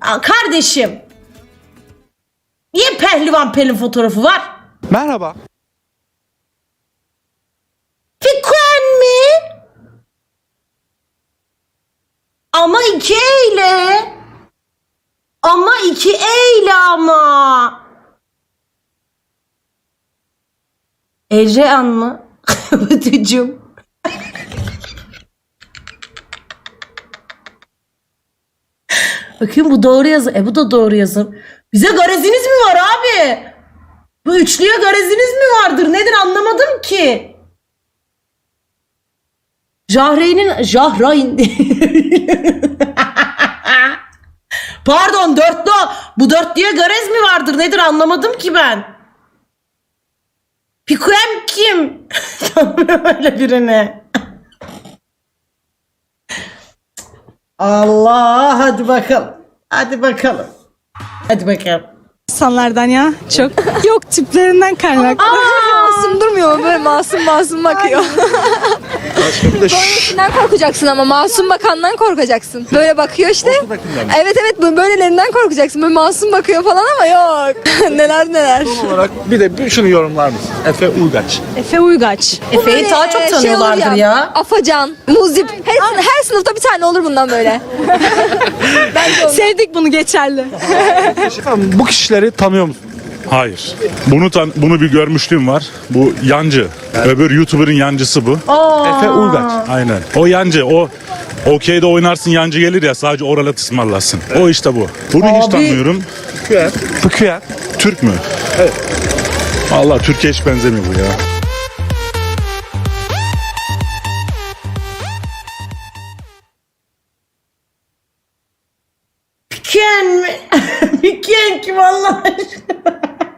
Kardeşim. Niye Pehlivan Pelin fotoğrafı var? Merhaba. Fikren mi? Ama 2 eyle. Ama 2 eyle ama. Ecehan mı? Ötücüm. Bakayım bu doğru yazım. Bu da doğru yazım. Bize gareziniz mi var abi? Bu üçlüye gareziniz mi vardır? Nedir anlamadım ki. Jahreyn. Pardon dörtlü. Bu dörtlüye garez mi vardır? Nedir anlamadım ki ben. Piquem kim? Tanımıyorum öyle birini. Allah hadi bakalım. Hadi bakalım. Hadi bakalım. İnsanlardan ya çok. Yok tiplerinden kaynaklı. Masum durmuyor mu? Böyle masum bakıyor. Böylesinden korkacaksın ama masum bakandan korkacaksın. Böyle bakıyor işte. Evet böylelerinden korkacaksın. Böyle masum bakıyor falan ama yok. neler. Son olarak bir de şunu yorumlar mısın? Efe Uygaç. Efe Uygaç. Efe'yi daha çok tanıyorlardır olur ya. Afacan, Muzip. Her sınıfta bir tane olur bundan böyle. Sevdik bunu geçerli. Efendim, bu kişileri tanıyor musun? Hayır. Bunu bir görmüşlüğüm var. Bu yancı. Öbür YouTuber'ın yancısı bu. Efe Uygaç. Aynen. O yancı. O okeyde oynarsın yancı gelir ya sadece oralet ısmarlasın. O işte bu. Bunu hiç Abi. tanımıyorum. Fıkıyer. Türk mü? Evet. Vallahi Türkiye hiç benzemiyor bu ya. Piken mi? Piken kim Allah aşkına?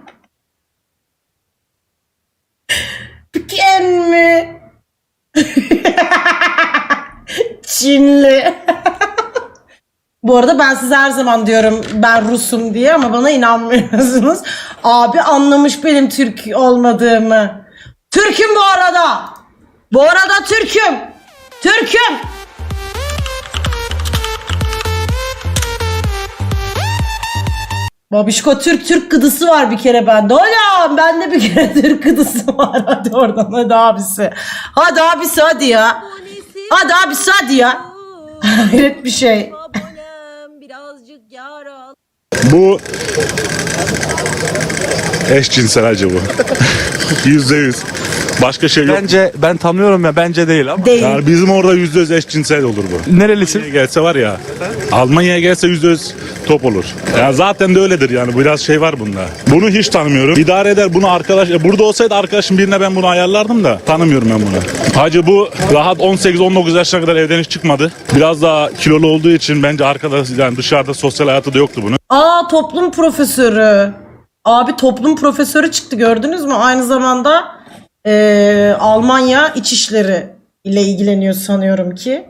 Piken mi? Çinli. Bu arada ben size her zaman diyorum ben Rusum diye ama bana inanmıyorsunuz. Abi anlamış benim Türk olmadığımı. Türk'üm bu arada. Bu arada Türk'üm. Türk'üm. Babişko Türk gıdısı var bir kere bende. Hocam bende bir kere Türk gıdısı var. Hadi oradan hadi abisi. Hadi abisi hadi ya. Hadi abisi hadi ya. Hayret bir şey. Bu eşcinsel bu. %100. Başka şey yok. Bence ben tanıyorum ya bence değil ama. Değil. Yani bizim orada %100 eşcinsel olur bu. Nerelisin? Gelse var ya. Almanya'ya gelse %100 top olur. Ya zaten de öyledir yani biraz şey var bunda. Bunu hiç tanımıyorum. İdare eder bunu arkadaş. Burada olsaydı arkadaşım birine ben bunu ayarlardım da tanımıyorum ben bunu. Hacı bu rahat 18-19 yaşına kadar evden hiç çıkmadı. Biraz daha kilolu olduğu için bence arkadaş yani dışarıda sosyal hayatı da yoktu bunun. Toplum profesörü. Abi toplum profesörü çıktı gördünüz mü? Aynı zamanda Almanya İçişleri ile ilgileniyor sanıyorum ki.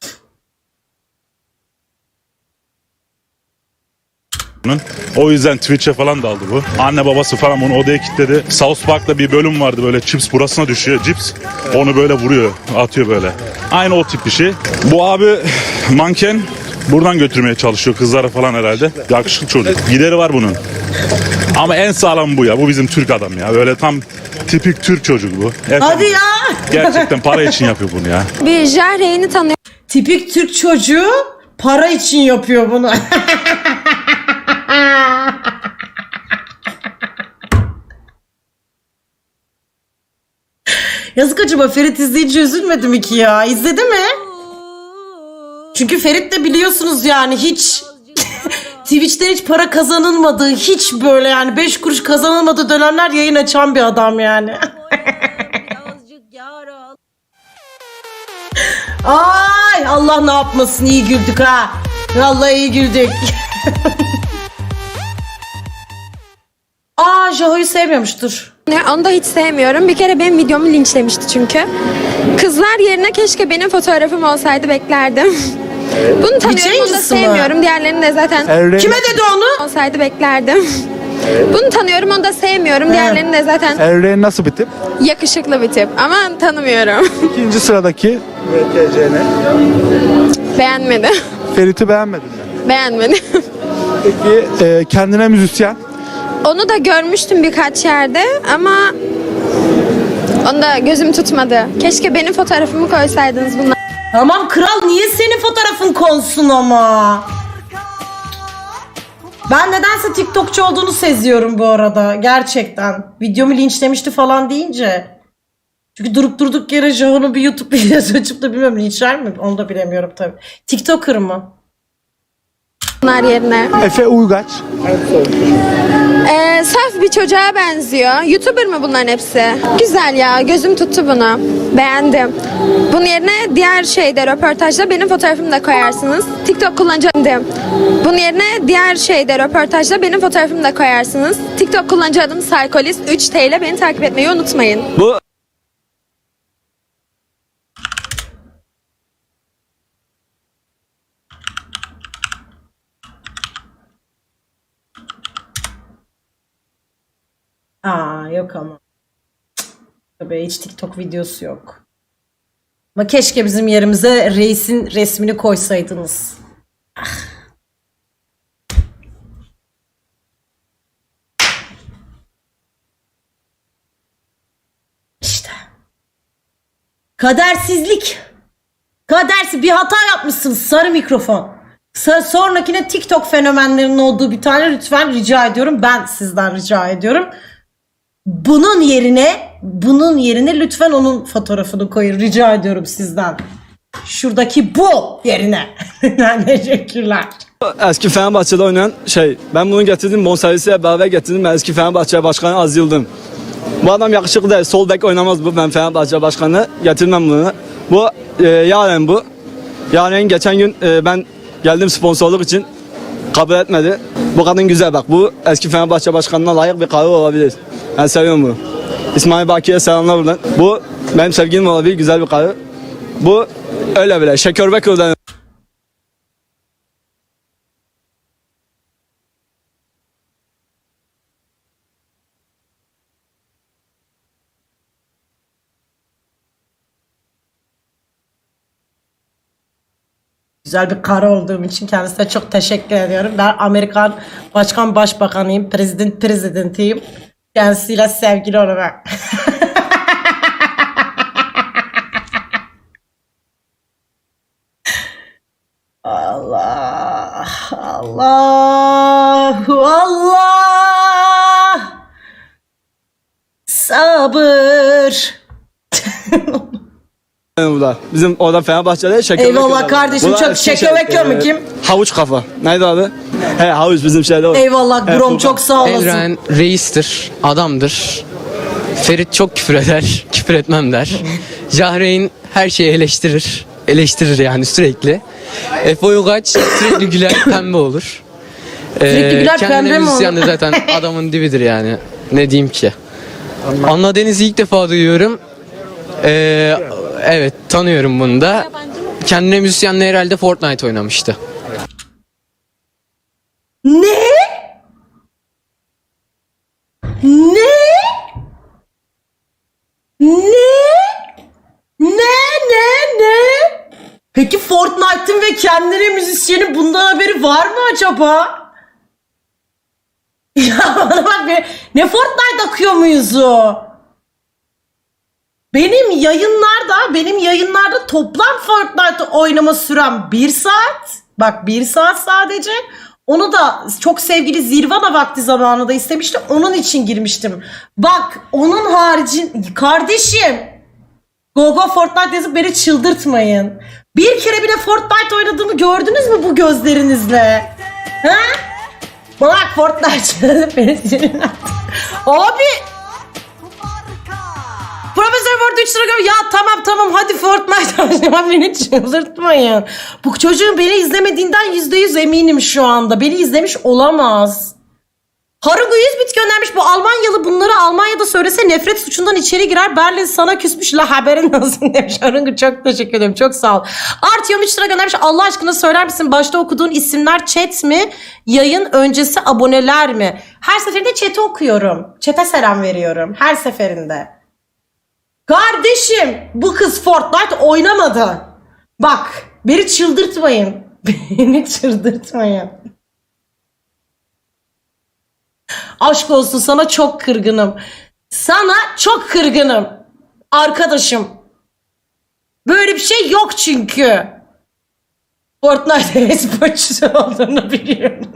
O yüzden Twitch'e falan daldı bu. Anne babası falan onu odaya kilitledi. South Park'ta bir bölüm vardı böyle chips burasına düşüyor cips. Onu böyle vuruyor, atıyor böyle. Aynı o tip bir şey. Bu abi manken buradan götürmeye çalışıyor kızlara falan herhalde. Yakışıklı çocuk. Gideri var bunun. Ama en sağlam bu ya. Bu bizim Türk adam ya. Böyle tam tipik Türk çocuk bu. Hadi ya. Gerçekten para için yapıyor bunu ya. Bir Jahreyn'i tanıyor Tipik Türk çocuğu para için yapıyor bunu. Yazık acaba Ferit izleyince üzülmedi mi ki ya? İzledi mi? Çünkü Ferit de biliyorsunuz yani hiç Twitch'ten hiç para kazanılmadığı, hiç böyle yani 5 kuruş kazanılmadığı dönemler yayın açan bir adam yani. Ay Allah ne yapmasın, iyi güldük ha. Vallahi iyi güldük. Jaho'yu sevmiyormuştur. Onu da hiç sevmiyorum. Bir kere benim videomu linçlemişti çünkü. Kızlar yerine keşke benim fotoğrafım olsaydı beklerdim. Bunu tanıyorum, onu da yayıncısı mı? sevmiyorum. Diğerlerini de zaten Kime dedi onu? olsaydı beklerdim. Bunu tanıyorum, onu da sevmiyorum. Diğerlerini de zaten Erreğin nasıl bir tip? yakışıklı bir tip ama tanımıyorum. İkinci sıradaki VTC'ne. Beğenmedim. Ferit'i beğenmedin mi? Beğenmedim. Peki kendine müzisyen. Onu da görmüştüm birkaç yerde ama onu da gözüm tutmadı. Keşke benim fotoğrafımı koysaydınız bunlar. Tamam kral, niye senin fotoğrafın konsun ama? Ben nedense TikTokçu olduğunu seziyorum bu arada. Gerçekten. Videomu linçlemişti falan deyince. Çünkü durup durduk yere Jaho'nun bir YouTube videosu açıp da bilmiyorum linçler mi? Onu da bilemiyorum tabii. TikToker mı? Bunlar yerine. Efe Uygaç. Saf bir çocuğa benziyor. YouTuber mı bunların hepsi? Güzel ya, gözüm tuttu bunu. Beğendim. Bunun yerine diğer röportajda benim fotoğrafımı da koyarsınız. TikTok kullanıcı. Bunun yerine diğer röportajda benim fotoğrafımı da koyarsınız. TikTok kullanıcı adım Psycholist 3T ile beni takip etmeyi unutmayın. Bu Yok ama. Tabii hiç TikTok videosu yok. Ama keşke bizim yerimize reisin resmini koysaydınız. İşte. Kadersizlik. Bir hata yapmışsınız sarı mikrofon. Sonrakine TikTok fenomenlerinin olduğu bir tane lütfen rica ediyorum. Ben sizden rica ediyorum. Bunun yerine lütfen onun fotoğrafını koyun. Rica ediyorum sizden. Şuradaki bu yerine. Teşekkürler. eski Fenerbahçe'de oynayan ben bunu getirdim bonservisiyle beraber getirdim. Ben eski Fenerbahçe Başkanı Aziz Yıldırım. Bu adam yakışıklı değil. Sol bek oynamaz bu. Ben Fenerbahçe Başkanı getirmem bunu. Bu Yaren bu. Yaren geçen gün ben geldim sponsorluk için kabul etmedi. Bu kadın güzel bak. Bu eski Fenerbahçe Başkanı'na layık bir karı olabilir. Ben seviyorum bunu. İsmail Baki'ye selamlar buradan. Bu benim sevgilim olabilir. Güzel bir karı. Bu öyle bile. Şekerbekir'den. Güzel bir karı olduğum için kendisine çok teşekkür ediyorum. Ben Amerikan başbakanıyım. Prezidentiyim. Kendisiyle sevgili olarak. Allah. Sabır. Burada. Bizim orada Fenerbahçe'de şeker. Eyvallah kardeşim, çok şeker mi kim? Havuç kafa. Neydi adı? Havuç bizim şeyde o. Eyvallah Grom, burada. çok sağ olasın. Evren reistir, adamdır. Ferit çok küfür eder, küfür etmem der. Jahreyn her şeyi eleştirir yani sürekli. Efe Uygaç sürekli güler pembe olur. Sürekli güler pembe kendine mi müzisyen olur? de zaten adamın dibidir yani. Ne diyeyim ki? Anna Deniz'i ilk defa duyuyorum. Evet, tanıyorum bunu da. Kendine müzisyenle herhalde Fortnite oynamıştı. Ne? Peki Fortnite'ın ve kendine müzisyenin bundan haberi var mı acaba? Ya bana bak, ne Fortnite akıyor muyuzu? Benim yayınlarda toplam Fortnite oynama sürem 1 saat. Bak 1 saat sadece. Onu da çok sevgili Zirvana vakti zamanında istemişti. Onun için girmiştim. Bak onun haricin kardeşim. Go Fortnite yazıp beni çıldırtmayın. Bir kere bile Fortnite oynadığımı gördünüz mü bu gözlerinizle? Ha? Bak Fortnite yazıp beni çıldırtmayın. Abi. Profesör Word 3 lira göre ya tamam hadi Fortnite oynama, beni çıldırtmayın. Bu çocuğun beni izlemediğinden %100 eminim şu anda. Beni izlemiş olamaz. Harungu 100 bit göndermiş. Bu Almanyalı bunları Almanya'da söylese nefret suçundan içeri girer. Berlin sana küsmüş la, haberin olsun demiş. Harungu çok teşekkür ederim. Çok sağ ol. Artyom 3 lira göndermiş. Allah aşkına söyler misin? Başta okuduğun isimler chat mi? Yayın öncesi aboneler mi? Her seferinde chat'i okuyorum. Chat'e selam veriyorum. Her seferinde. Kardeşim bu kız Fortnite oynamadı. Bak beni çıldırtmayın. Beni çıldırtmayın. Aşk olsun, sana çok kırgınım. Sana çok kırgınım. Arkadaşım. Böyle bir şey yok çünkü. Fortnite esporcusu olduğunu biliyorum.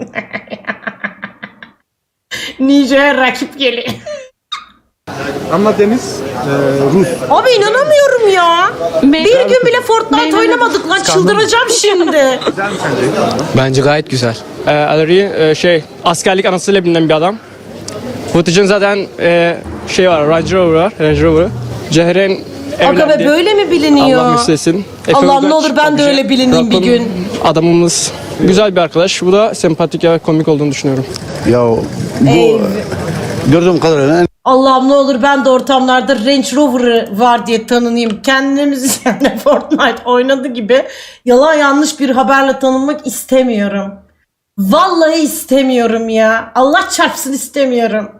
Ninja'ya rakip geliyor. Ama Deniz Rus. Abi inanamıyorum ya. Bir gün bile Fortnite oynamadık lan, çıldıracağım şimdi. Bence gayet güzel. Adri askerlik anısıyla bilinen bir adam. Vıtıcın zaten var, Range Rover var, Range Rover. Cehre'nin Aga be, evlendi. böyle mi biliniyor? Allah müstesin. Allah'ım ne olur ben de öyle bilineyim bir gün. Adamımız güzel bir arkadaş. Bu da sempatik ve komik olduğunu düşünüyorum. Ya bu gördüğüm kadarıyla Allah'ım ne olur ben de ortamlarda Range Rover'ı var diye tanınayım. Kendimiz yani Fortnite oynadı gibi yalan yanlış bir haberle tanınmak istemiyorum. Vallahi istemiyorum ya. Allah çarpsın, istemiyorum.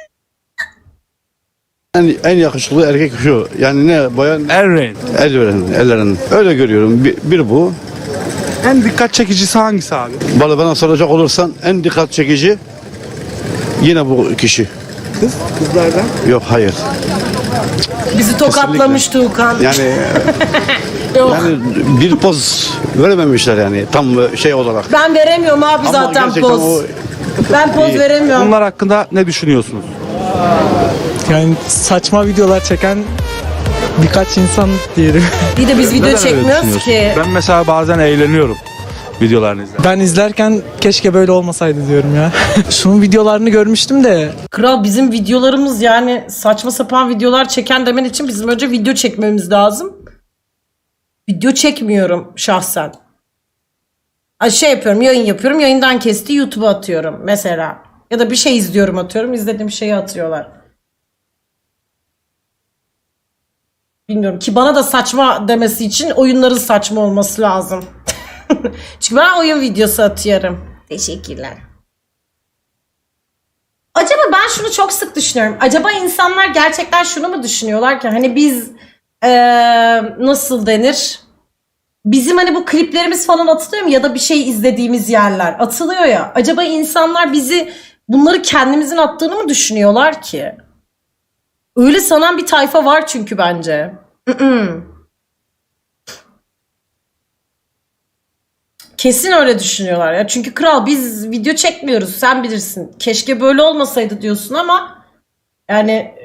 en yakışıklı erkek şu. Yani ne bayan Errain. ellerin. Öyle görüyorum. Bir bu. En dikkat çekicisi hangisi abi? Bana soracak olursan en dikkat çekici yine bu kişi. Kızlardan. Yok hayır. Bizi tokatlamış Tuğkan. Yani Yok. bir poz verememişler yani tam şey olarak. Ben veremiyorum abi Ama zaten gerçekten poz. o Ben poz İyi. veremiyorum. Bunlar hakkında ne düşünüyorsunuz? Yani saçma videolar çeken birkaç insan diyelim. Bir de biz video Neden öyle çekmiyoruz düşünüyorsun? ki. Ben mesela bazen eğleniyorum videolarını izlerken. Ben izlerken keşke böyle olmasaydı diyorum ya. Şunun videolarını görmüştüm de Kral, bizim videolarımız yani saçma sapan videolar çeken demen için bizim önce video çekmemiz lazım. Video çekmiyorum şahsen. Şey yapıyorum, yayın yapıyorum, yayından kesti YouTube'a atıyorum mesela. Ya da bir şey izliyorum, atıyorum, izlediğim şeyi atıyorlar. Bilmiyorum ki, bana da saçma demesi için oyunların saçma olması lazım. Çünkü ben oyun videosu atıyorum. Teşekkürler. Acaba ben şunu çok sık düşünüyorum. Acaba insanlar gerçekten şunu mu düşünüyorlar ki hani biz nasıl denir? Bizim hani bu kliplerimiz falan atılıyor mu ya da bir şey izlediğimiz yerler atılıyor ya. Acaba insanlar bizi bunları kendimizin attığını mı düşünüyorlar ki? Öyle sanan bir tayfa var çünkü bence. Kesin öyle düşünüyorlar ya. Çünkü kral, biz video çekmiyoruz, sen bilirsin. Keşke böyle olmasaydı diyorsun ama yani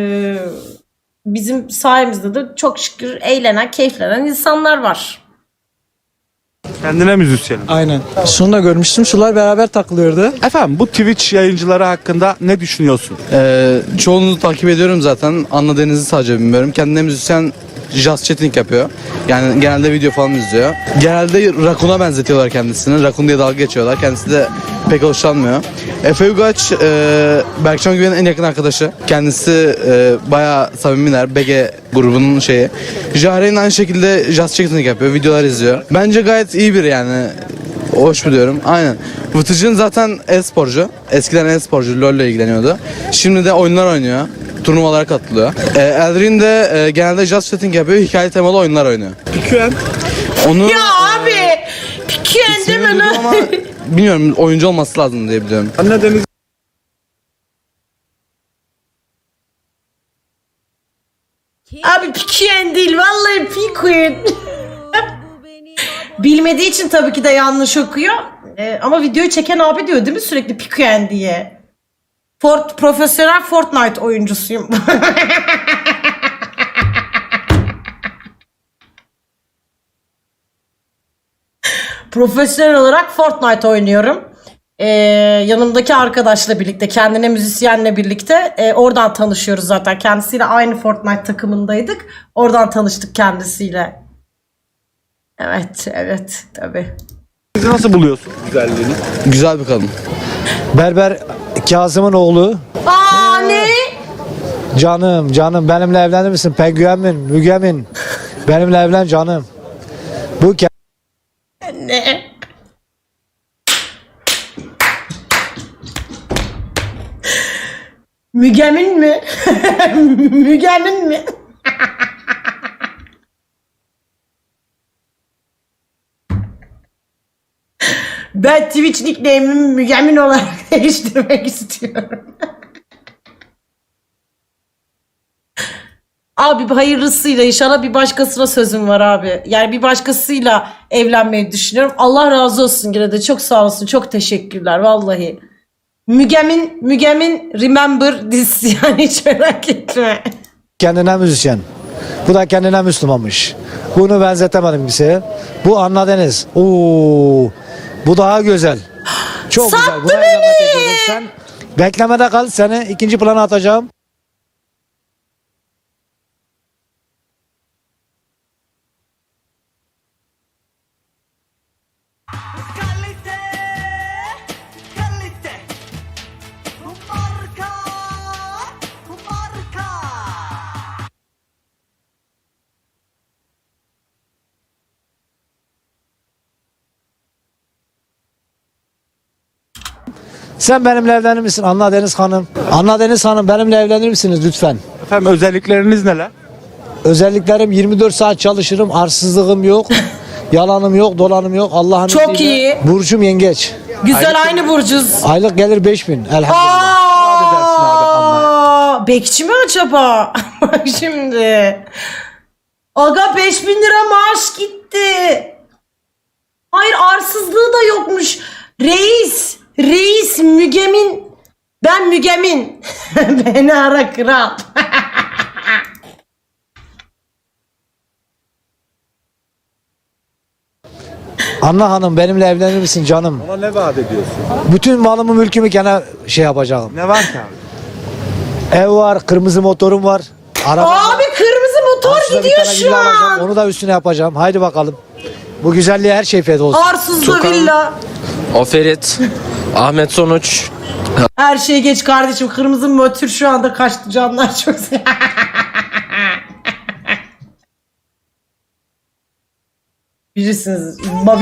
bizim sayemizde de çok şükür eğlenen, keyiflenen insanlar var. Kendine müzisyenim. aynen. Şunu da görmüştüm. Şular beraber takılıyordu. Efendim, bu Twitch yayıncıları hakkında ne düşünüyorsun? Çoğunu takip ediyorum zaten. Anladığınızı sadece bilmiyorum. Kendine müzisyen jazz chatting yapıyor. Yani genelde video falan izliyor. Genelde Rakun'a benzetiyorlar kendisini. Rakun diye dalga geçiyorlar. Kendisi de pek hoşlanmıyor. Efe Ugaç, Berkcan Güven'in en yakın arkadaşı. Kendisi bayağı samimiler. BG grubunun şeyi. Jahre'nin aynı şekilde jazz chatting yapıyor. Videolar izliyor. Bence gayet iyi biri yani. Hoş buluyorum. Aynen. Vıtıcın zaten e-sporcu. Eskiden e-sporcu. LoL ile ilgileniyordu. Şimdi de oyunlar oynuyor. Turnuvalara katılıyor. Eldrin de genelde jazz setting yapıyor. Hikaye temalı oyunlar oynuyor. PQN. Onu Ya abi! Piken değil mi duydum lan? ama bilmiyorum, oyuncu olması lazım diye biliyorum. Anne Deniz. Abi Piken değil, vallahi Piken. Bilmediği için tabii ki de yanlış okuyor. Ama videoyu çeken abi diyor değil mi sürekli Piken diye. Profesyonel Fortnite oyuncusuyum. Profesyonel olarak Fortnite oynuyorum. Yanımdaki arkadaşla birlikte, kendine müzisyenle birlikte oradan tanışıyoruz zaten. Kendisiyle aynı Fortnite takımındaydık. Oradan tanıştık kendisiyle. Evet tabii. Siz nasıl buluyorsun güzelliğini? Güzel bir kadın. Berber Kazım'ın oğlu. Aa ne? Canım benimle evlenir misin? Pengüenmin, Mügemin. Benimle evlen canım. Bu Ne? Mügemin mi? Mügemin mi? Ben Twitch nickname'imi Mügemin olarak değiştirmek istiyorum. Abi hayırlısıyla inşallah bir başkasına sözüm var abi. Yani bir başkasıyla evlenmeyi düşünüyorum. Allah razı olsun yine de çok sağ olsun. Çok teşekkürler vallahi. Mügemin remember this yani hiç merak etme. Kendine müzisyen. Bu da kendine Müslümanmış. Bunu benzetemedim kimseye. Bu Anna Deniz. Oo, bu daha güzel. Çok güzel. Sattı Buna beni. evlenmek istiyorum. Sen beklemede kal. Seni ikinci plana atacağım. Sen benimle evlenir misin Anna Deniz Hanım? Anna Deniz Hanım benimle evlenir misiniz lütfen? Efendim özellikleriniz neler? Özelliklerim 24 saat çalışırım, arsızlığım yok, yalanım yok, dolanım yok. Allah'ın Çok izniyle. iyi. Burcum yengeç. Güzel aynı burcuz. Aylık gelir 5000 elhamdülillah. Aa, bekçi mi acaba? Bak şimdi. Aga 5000 lira maaş gitti. Hayır arsızlığı da yokmuş. Reis Mügemin. Ben Mügemin. Beni ara kral. Anna Hanım benimle evlenir misin canım? Bana ne vaat ediyorsun? Bütün malımı mülkümü gene şey yapacağım. Ne var ki abi? Ev var, kırmızı motorum var. Araba var. Abi kırmızı motor Arsızda bir gidiyor tane şu villa alacağım, an. onu da üstüne yapacağım. Haydi bakalım. Bu güzelliğe her şey feda olsun. Arsızlı villa. O Ferit, Ahmet Sonuç. Her şey geç kardeşim. Kırmızı motor şu anda kaçtı canlar çok bilirsiniz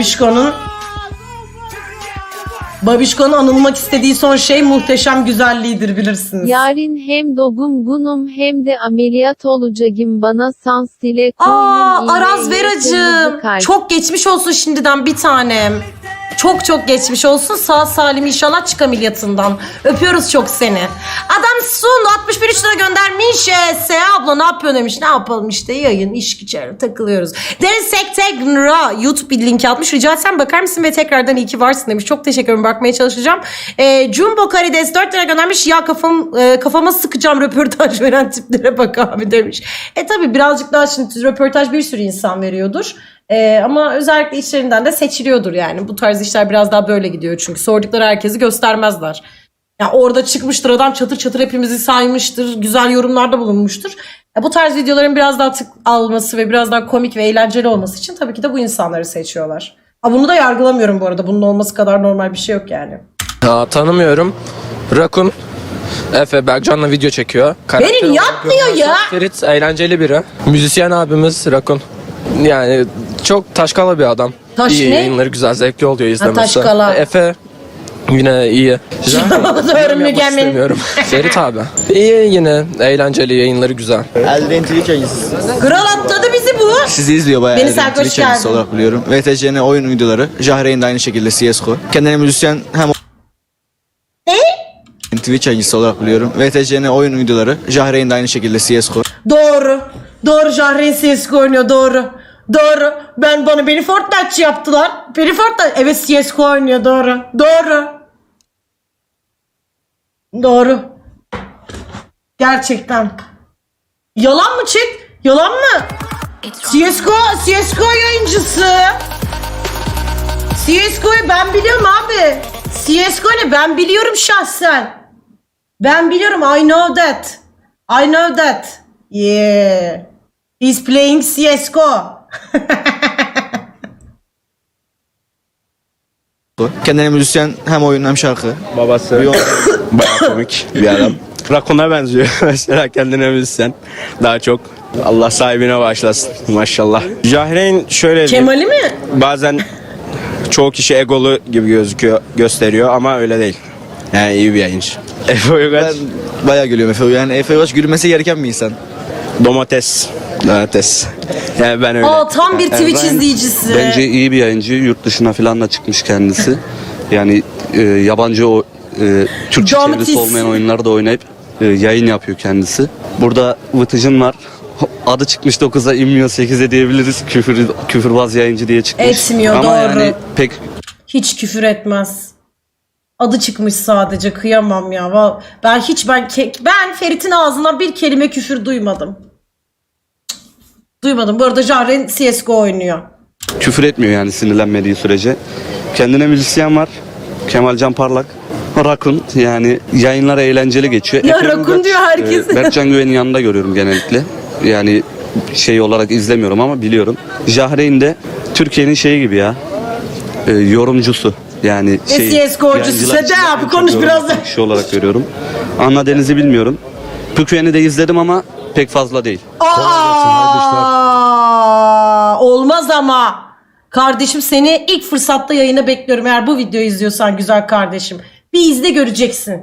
Babişko'nun anılmak istediği son şey muhteşem güzelliğidir bilirsiniz. Yarın hem dobum bunum hem de ameliyat olacağım bana sans dile Araz Veracığım. Çok geçmiş olsun şimdiden bir tanem. Çok geçmiş olsun. Sağ salim inşallah çık ameliyatından. Öpüyoruz çok seni. Adam Sun 61 lira göndermiş. Seha abla ne yapıyorsun demiş. Ne yapalım işte yayın, iş güçler takılıyoruz. Deniz Sektegra YouTube bir link atmış. Rica etsem bakar mısın ve tekrardan iyi ki varsın demiş. Çok teşekkür ederim. Bakmaya çalışacağım. Jumbo Karides 4 lira göndermiş. Ya kafama sıkacağım röportaj veren tiplere bak abi demiş. Tabi birazcık daha şimdi röportaj bir sürü insan veriyordur. Ama özellikle içlerinden de seçiliyordur yani. Bu tarz işler biraz daha böyle gidiyor çünkü sordukları herkesi göstermezler. Yani orada çıkmıştır adam çatır çatır hepimizi saymıştır, güzel yorumlarda bulunmuştur. Bu tarz videoların biraz daha tık alması ve biraz daha komik ve eğlenceli olması için tabii ki de bu insanları seçiyorlar. Bunu da yargılamıyorum bu arada. Bunun olması kadar normal bir şey yok yani. Tanımıyorum. Rakun. Efe Berkcan'la video çekiyor. Beni yapmıyor ya. Ferit eğlenceli biri. Müzisyen abimiz Rakun. Yani çok taşkala bir adam. İyi ne? yayınları güzel, zevkli oluyor izlemesi. taşkala. Efe yine iyi. Doğru Mügemin. İstemiyorum. Ferit abi. İyi yine, eğlenceli yayınları güzel. Elden Twitch yayıncısı. Kral atladı bizi bu. Sizi izliyor bayağı. Beni Elden sen hoş Twitch yayıncısı geldin. olarak biliyorum. VTC'nin oyun videoları. Jahreyn de aynı şekilde CSGO. Kendine müzisyen hem Ne? Twitch yayıncısı olarak biliyorum. VTC'nin oyun videoları. Jahreyn de aynı şekilde CSGO. Doğru Jahreyn CSGO oynuyor doğru. Beni Fortnite'çı yaptılar. Beni Fortnite. Evet CSGO oynuyor Doğru. Gerçekten. Yalan mı chat? Yalan mı? CSGO yayıncısı. CSGO'yu ben biliyorum abi. CSGO ne? Ben biliyorum şahsen. Ben biliyorum. I know that. Yeah. He's playing CSGO. Kendine müzisyen hem oyun hem şarkı. Babası bayağı komik bir adam. Rakun'a benziyor mesela kendine müzisyen. Daha çok Allah sahibine bağışlasın maşallah. Jahreyn şöyle diyeyim, Kemal'i mi? bazen çoğu kişi egolu gibi gösteriyor ama öyle değil. Yani iyi bir yayıncı. Efe Uygaç Ben bayağı gülüyorum Efe. Yani Efe Uygaç gülmesi gereken bir insan. domates. Yani ben öyle. Tam bir Twitch izleyicisi. Bence iyi bir yayıncı. Yurt dışına falan da çıkmış kendisi. Yani yabancı Türkçe Domates. çevirisi olmayan oyunları da oynayıp yayın yapıyor kendisi. Burada Vıtıcın var. Adı çıkmış 9'a inmiyor 8'e diyebiliriz. Küfürbaz yayıncı diye çıkmış. Etmiyor, Ama doğru. yani pek Hiç küfür etmez. Adı çıkmış sadece, kıyamam ya. Ben Ferit'in ağzından bir kelime küfür duymadım. Duymadım. Bu arada Jahreyn CSGO oynuyor. küfür etmiyor yani sinirlenmediği sürece. Kendine müzisyen var. Kemalcan Parlak. Rakun yani yayınlar eğlenceli geçiyor. Ya Efe Rakun Uygaç, diyor herkes. Berkcan Güven'in yanında görüyorum genellikle. Yani şey olarak izlemiyorum ama biliyorum. Jahreyn de Türkiye'nin şeyi gibi ya. Yorumcusu. Yani CSGO'cusu. yayıncılar Hadi içinde abi, en konuş çok biraz yorumcu da. kişi olarak görüyorum. Anna Deniz'i bilmiyorum. Püküyen'i de izledim ama pek fazla değil. Olmaz ama. Kardeşim, seni ilk fırsatta yayına bekliyorum. Eğer bu videoyu izliyorsan güzel kardeşim. Bir izle, göreceksin.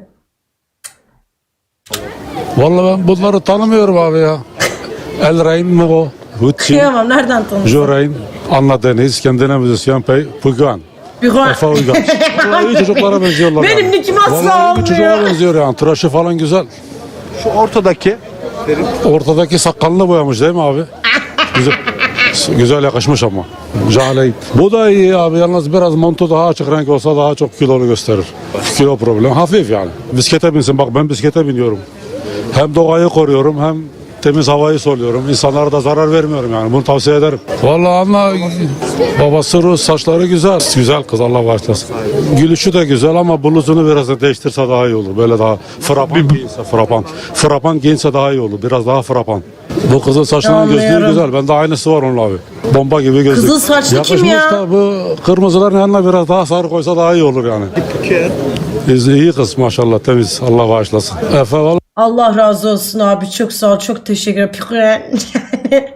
Vallahi ben bunları tanımıyorum abi ya. Elrain mi o? Hütçi, Kıyamam, nereden tanıdın? Jorain, Anna Deniz, kendine müzisyen Pugan. Güven. Efe Uygaç. İyi çocuklara benziyorlar. Benim yani. nikim asla Vallahi iyi bir çocuğa olmuyor. benziyor yani. Tıraşı falan güzel. Şu ortadaki Ortadaki sakalını boyamış değil mi abi? Güzel, güzel yakışmış ama. Jahreyn. Bu da iyi abi. Yalnız biraz montu daha açık renk olsa daha çok kilolu gösterir. Kilo problem. Hafif yani. Bisiklete binsin. Bak ben bisiklete biniyorum. Hem doğayı koruyorum hem temiz havayı soluyorum. İnsanlara da zarar vermiyorum yani. Bunu tavsiye ederim. Vallahi Anna babası Rus, saçları güzel. Güzel kız, Allah bağışlasın. Gülüşü de güzel ama bluzunu biraz da değiştirse daha iyi olur. Böyle daha frapan giyinse frapan. Frapan giyinse daha iyi olur. Biraz daha frapan. Bu kızın saçlarının gözlüğü Anlıyorum. güzel. Bende aynısı var onun abi. Bomba gibi gözlük. Kızıl saçlı Yakışmış kim ya? da bu kırmızıların yanına biraz daha sarı koysa daha iyi olur yani. İyi kız maşallah, temiz. Allah bağışlasın. Efe vallahi Allah razı olsun abi. Çok sağ ol. Çok teşekkür ederim. Yani...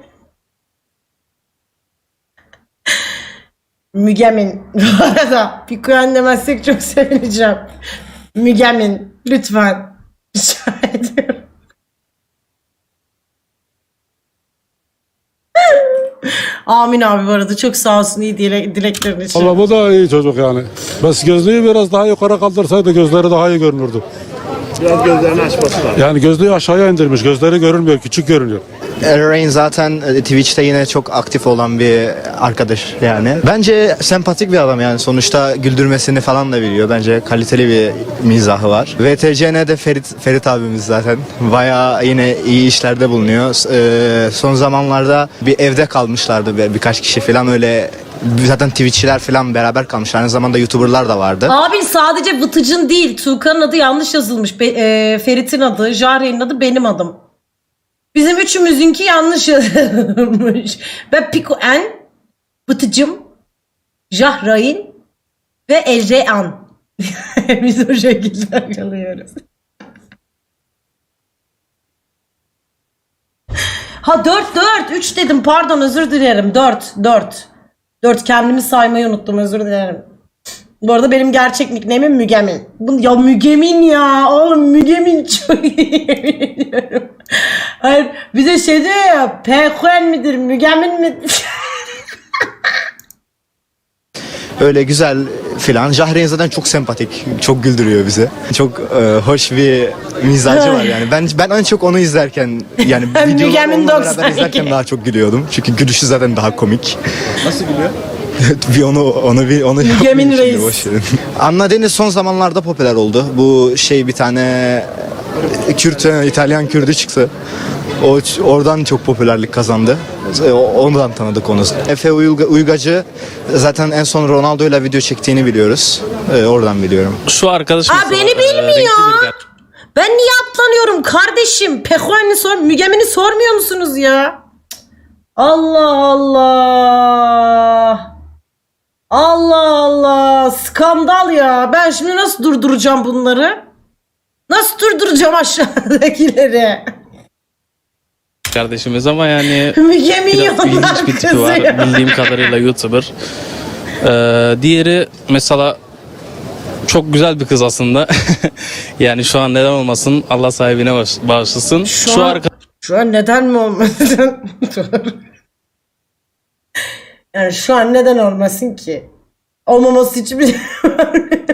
Mügemin. Bu arada Pikuyen demezsek çok sevineceğim. Mügemin. Lütfen. Rica ediyorum. Amin abi, bu arada çok sağ olsun iyi dileklerin için. Allah, bu da iyi çocuk yani. Bes gözlüğü biraz daha yukarı kaldırsaydı gözleri daha iyi görünürdü. biraz gözlerini açması lazım. Yani gözlüğü aşağıya indirmiş. Gözleri görünmüyor. Küçük görünüyor. Elrain zaten Twitch'te yine çok aktif olan bir arkadaş yani. Bence sempatik bir adam yani. Sonuçta güldürmesini falan da biliyor. Bence kaliteli bir mizahı var. VTCN'de Ferit abimiz zaten. Bayağı yine iyi işlerde bulunuyor. Son zamanlarda bir evde kalmışlardı birkaç kişi falan, öyle zaten Twitch'çiler falan beraber kalmışlar. Aynı zamanda YouTuber'lar da vardı. Abi sadece Vıtıcın değil. Tuğkan'ın adı yanlış yazılmış. Ferit'in adı, Jahreyn'in adı, benim adım. Bizim üçümüzünki yanlış yazılmış. Ve Pikuyen, Vıtıcım, Jahreyn ve Elrean. Biz o şekilde kalıyoruz. Ha 4 3 dedim, pardon, özür dilerim. 4 kendimi saymayı unuttum, özür dilerim. Bu arada benim gerçek nickname'im Mügemin. Ya Mügemin ya. Oğlum Mügemin çok iyi, yemin ediyorum. Hayır, bir de şey diyor ya, Pekuen midir Mügemin mi? Öyle güzel filan. Jahreyn zaten çok sempatik, çok güldürüyor bizi. Çok hoş bir mizacı var yani. Ben en çok onu izlerken yani videoları Mügemin onunla 92. beraber izlerken daha çok gülüyordum. Çünkü gülüşü zaten daha komik. Nasıl gülüyor? bir onu Mügemin yapmayayım şimdi, Reis. boş verin. Anna Deniz son zamanlarda popüler oldu. Bu bir tane Kürt, İtalyan Kürdü çıktı. Oradan çok popülerlik kazandı. Ondan tanıdık onu. Efe Uygacı zaten en son Ronaldo ile video çektiğini biliyoruz. Oradan biliyorum. Şu arkadaş Aa, beni bilmiyor. Ben niye atlanıyorum kardeşim? Pekuen'i Mügemin'i sormuyor musunuz ya? Allah Allah. Allah Allah. Skandal ya. Ben şimdi nasıl durduracağım bunları? Nasıl durduracağım aşağıdakileri? kardeşimiz ama yani Mügemin biraz yollar ilginç bir tipi var. kızıyor. Bildiğim kadarıyla YouTuber. Diğeri mesela çok güzel bir kız aslında. Yani şu an neden olmasın? Allah sahibine bağışlasın. Şu an neden mi olmasın? Yani şu an neden olmasın ki? Olmaması için bir şey var.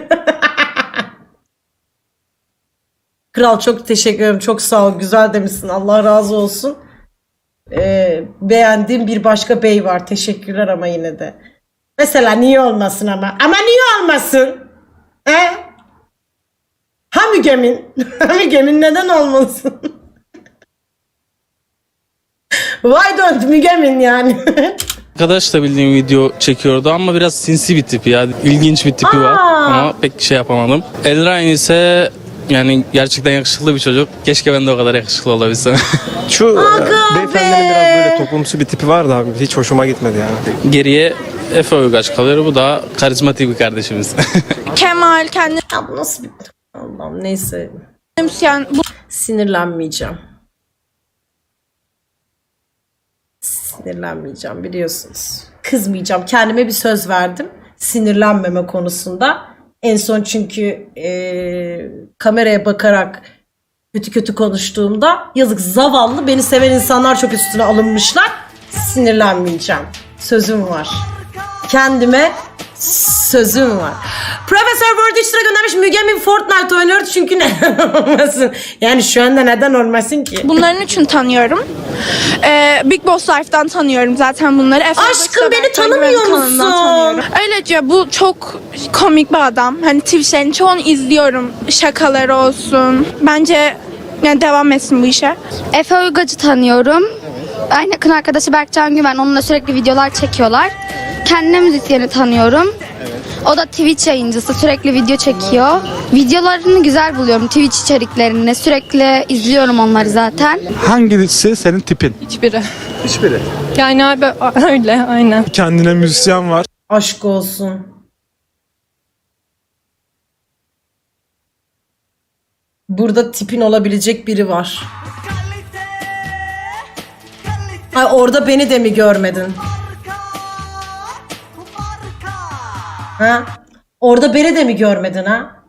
Kral çok teşekkür ederim. Çok sağ ol. Güzel demişsin. Allah razı olsun. Beğendiğim bir başka bey var. Teşekkürler ama yine de. Mesela niye olmasın ama? Ama niye olmasın? Ha Mügemin? Ha Mügemin neden olmasın? Why don't Mügemin yani? Arkadaş da bildiğim video çekiyordu ama biraz sinsi bir tipi ya. İlginç bir tipi var ama pek şey yapamadım. Elrain ise yani gerçekten yakışıklı bir çocuk. Keşke ben de o kadar yakışıklı olabilsem. Şu beyefendinin biraz böyle toplumsu bir tipi var da abi hiç hoşuma gitmedi yani. Geriye Efe Uygaç kalıyor. Bu da karizmatik bir kardeşimiz. Kemal kendini Ya bu nasıl bir... Allah'ım neyse. müzisyen. Sinirlenmeyeceğim. Sinirlenmeyeceğim biliyorsunuz. Kızmayacağım. Kendime bir söz verdim. Sinirlenmeme konusunda. En son çünkü kameraya bakarak kötü kötü konuştuğumda yazık zavallı beni seven insanlar çok üstüne alınmışlar. Sinirlenmeyeceğim. Sözüm var. Kendime sözüm var. Profesör Word 3 lira göndermiş. Mügemin Fortnite oynuyor çünkü neden olmasın? Yani şu anda neden olmasın ki? Bunların üçün tanıyorum. Big Boss Life'dan tanıyorum zaten bunları. Aşkım beni tanımıyor musun? Öylece bu çok komik bir adam. Hani Twitch'lerin çoğunu izliyorum. Şakaları olsun. Bence yani devam etsin bu işe. Efe Uygacı tanıyorum. Aynı yakın arkadaşı Berkcan Güven. Onunla sürekli videolar çekiyorlar. Kendine müzisyeni tanıyorum. O da Twitch yayıncısı. Sürekli video çekiyor. Videolarını güzel buluyorum. Twitch içeriklerini. Sürekli izliyorum onları zaten. Hangisi senin tipin? Hiçbiri. Hiçbiri. Yani abi öyle aynen. Kendine müzisyen var. Aşk olsun. Burada tipin olabilecek biri var. Ay orada beni de mi görmedin? Ha? Orada beni de mi görmedin ha?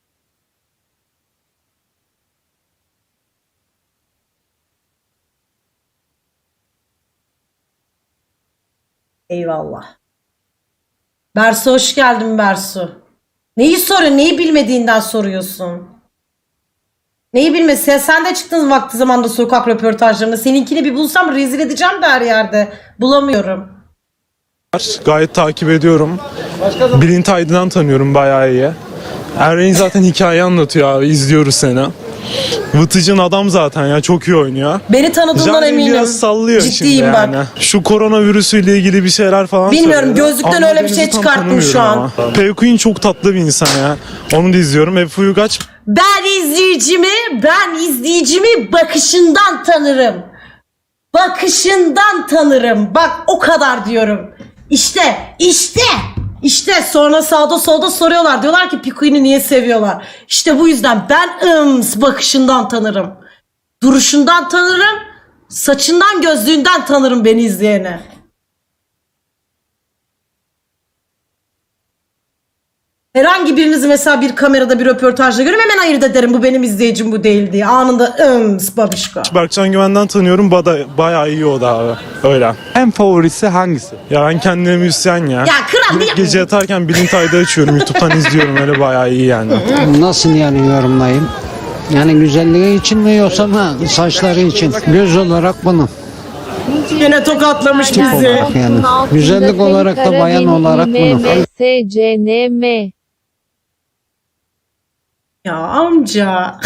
Eyvallah. Bersu hoş geldin Bersu. Neyi soruyorsun? Neyi bilmediğinden soruyorsun? Neyi bilmesi? Sen de çıktın vakti zamanda sokak röportajlarında. Seninkini bir bulsam rezil edeceğim de her yerde. Bulamıyorum. Gayet takip ediyorum. Bülent Aydın'dan tanıyorum bayağı iyi. Errein zaten hikaye anlatıyor abi. İzliyoruz seni. Vıtıcın adam zaten ya. Çok iyi oynuyor. Beni tanıdığından Jahreyn eminim. biraz sallıyor Ciddiyim şimdi bak. yani. Şu koronavirüsüyle ilgili bir şeyler falan Bilmiyorum, söylüyor. gözlükten Ama öyle bir şey Deniz'i tam çıkarttım şu tanımıyorum an. ama. Pevquin çok tatlı bir insan ya. Onu da izliyorum. Efe Uygaç Ben izleyicimi bakışından tanırım. Bakışından tanırım. Bak o kadar diyorum. İşte sonra sağda solda soruyorlar. Diyorlar ki Pikuin'i niye seviyorlar? İşte bu yüzden ben bakışından tanırım. Duruşundan tanırım. Saçından gözlüğünden tanırım beni izleyene. Herhangi birinizi mesela bir kamerada bir röportajda görüyorum hemen ayırt ederim bu benim izleyicim bu değil diye. Anında babişko. Berkcan Güven'den tanıyorum. Bayağı iyi o da abi. Öyle. En favorisi hangisi? Ya ben kendime müzisyen ya. Ya kral Direkt gece yatarken Bülent Ayda açıyorum. YouTube'dan izliyorum. Öyle bayağı iyi yani. Nasıl yani yorumlayayım? Yani güzelliği için mi yoksa saçları için? Göz olarak bunu. Yine tokatlamış bizi. Yani güzellik olarak da bayan olarak bunu. SCNM. Ya amca.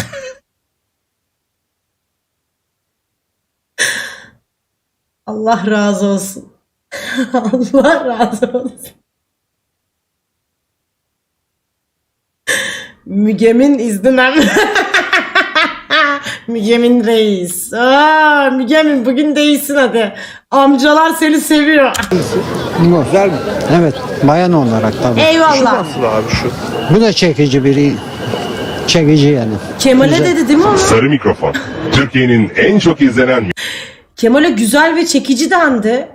Allah razı olsun. Allah razı olsun. Mügemin iznine Mügemin reis. Mügemin bugün değilsin hadi. Amcalar seni seviyor. Bu. Güzel mi? Evet, bayan olarak tabii. Eyvallah. Nasıl abi şu? Bu da çekici biri. Çekici yani. Kemal'e dedi değil mi onu? Sarı Mikrofon. Türkiye'nin en çok izlenen Kemal'e güzel ve çekici dendi.